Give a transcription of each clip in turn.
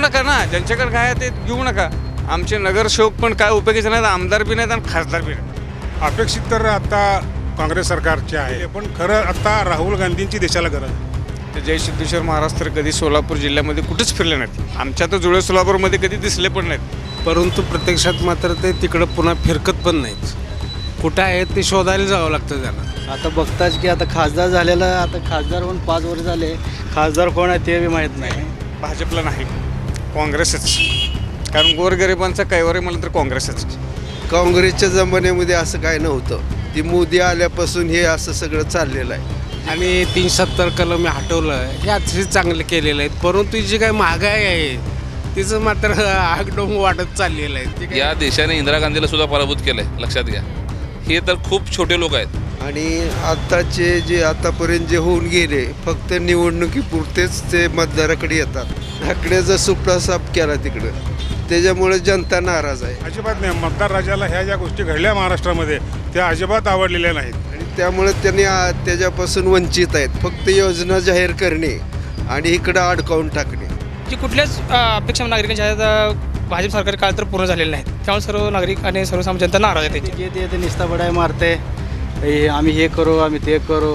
नका ना, ज्यांच्याकडे काय आहे ते घेऊ नका. आमचे नगरसेवक पण काय उपयोगीचे नाहीत, आमदार बी नाहीत आणि खासदार बी नाहीत. अपेक्षित तर आता काँग्रेस सरकारचे आहे, पण खरं आता राहुल गांधींची देशाला गरज आहे. ते जय सिद्धेश्वर महाराज तर कधी सोलापूर जिल्ह्यामध्ये कुठेच फिरले नाहीत. आमच्या तर जुळे सोलापूरमध्ये कधी दिसले पण नाहीत. परंतु प्रत्यक्षात मात्र ते तिकडं पुन्हा फिरकत पण नाहीत. कुठं आहेत ते शोधायला जावं लागतं त्यांना. आता बघताच की आता खासदार झालेला, आता खासदार होऊन 5 वर्ष झाले, खासदार कोण आहे ते बी माहीत नाही. भाजपला नाही, काँग्रेसच. कारण गोरगरिबांचा कैवारी म्हणलं तर काँग्रेसच. काँग्रेसच्या जमान्यामध्ये असं काय नव्हतं. ती मोदी आल्यापासून हे असं सगळं चाललेलं आहे. आणि 370 कलम हटवलं हे अतिशय चांगलं केलेलं आहे. परंतु जी काय महागाई आहे तिचं मात्र आगडोंब वाढत चाललेलं आहे. ते काय या देशाने इंदिरा गांधीला सुद्धा पराभूत केलं आहे, लक्षात घ्या. हे तर खूप छोटे लोक आहेत. आणि आत्ताचे जे आतापर्यंत जे होऊन गेले फक्त निवडणुकीपुरतेच ते मतदाराकडे येतात. ठाकरेचा सुपडा साफ केला तिकडं, त्याच्यामुळे जनता नाराज आहे. अजिबात नाही. मतदार राजाला ह्या ज्या गोष्टी घडल्या महाराष्ट्रामध्ये त्या अजिबात आवडलेल्या नाहीत. आणि त्यामुळे त्यांनी त्याच्यापासून वंचित आहेत. फक्त योजना जाहीर करणे आणि इकडं अडकावून टाकणे. जी कुठल्याच अपेक्षा नागरिकांच्या आहेत भाजप सरकारी काळ तर पूर्ण झालेले नाहीत. त्यामुळे सर्व नागरिक आणि सर्वसामान्य जनता नाराज आहे त्यांची. जे ते निस्ता बडाय मारते, आम्ही हे करू आम्ही ते करू,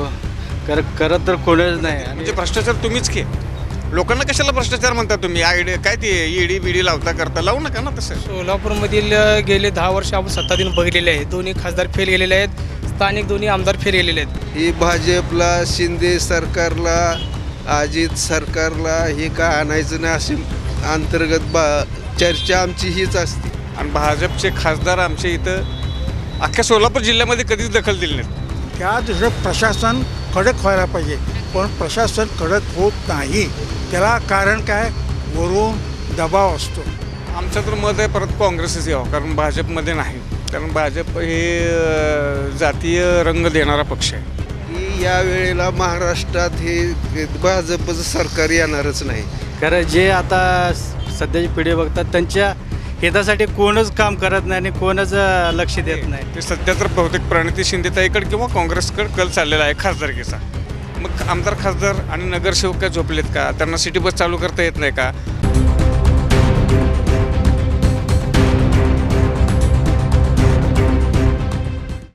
करत तर कोणच नाही. म्हणजे भ्रष्टाचार तुम्हीच की. लोकांना कशाला भ्रष्टाचार म्हणता तुम्ही? आयडी काय ते ईडी बीडी लावता करता, लावू नका ना तसं. सोलापूरमधील गेले 10 वर्ष आपण सत्ता दिन बघितलेले आहेत. दोन्ही खासदार फेल गेलेले आहेत, स्थानिक दोन्ही आमदार फेल गेलेले आहेत. ही भाजपला, शिंदे सरकारला, अजित सरकारला हे काय आणायचं नाही अशी अंतर्गत चर्चा आमची हीच असते. आणि भाजपचे खासदार आमच्या इथं अख्ख्या सोलापूर जिल्ह्यामध्ये कधीच दखल दिली नाही. त्या दुसरं प्रशासन कडक व्हायला पाहिजे, पण प्रशासन कडक होत नाही. त्याला कारण काय? वरून दबाव असतो. आमचं तर मत आहे परत काँग्रेसच यावं, कारण भाजपमध्ये नाही. कारण भाजप हे जातीय रंग देणारा पक्ष आहे. की या वेळेला महाराष्ट्रात हे भाजपचं सरकार येणारच नाही. कारण जे आता सध्याची पिढी बघतात त्यांच्या हितासाठी कोणच काम करत नाही आणि कोणच लक्ष देत नाही. ते सध्या तर बहुतेक प्रणिती शिंदेताईकडे किंवा काँग्रेसकडे कल चाललेला आहे खासदारकीचा. मग आमदार खासदार आणि नगरसेवक काय झोपलेत का? त्यांना सिटी बस चालू करता येत नाही का?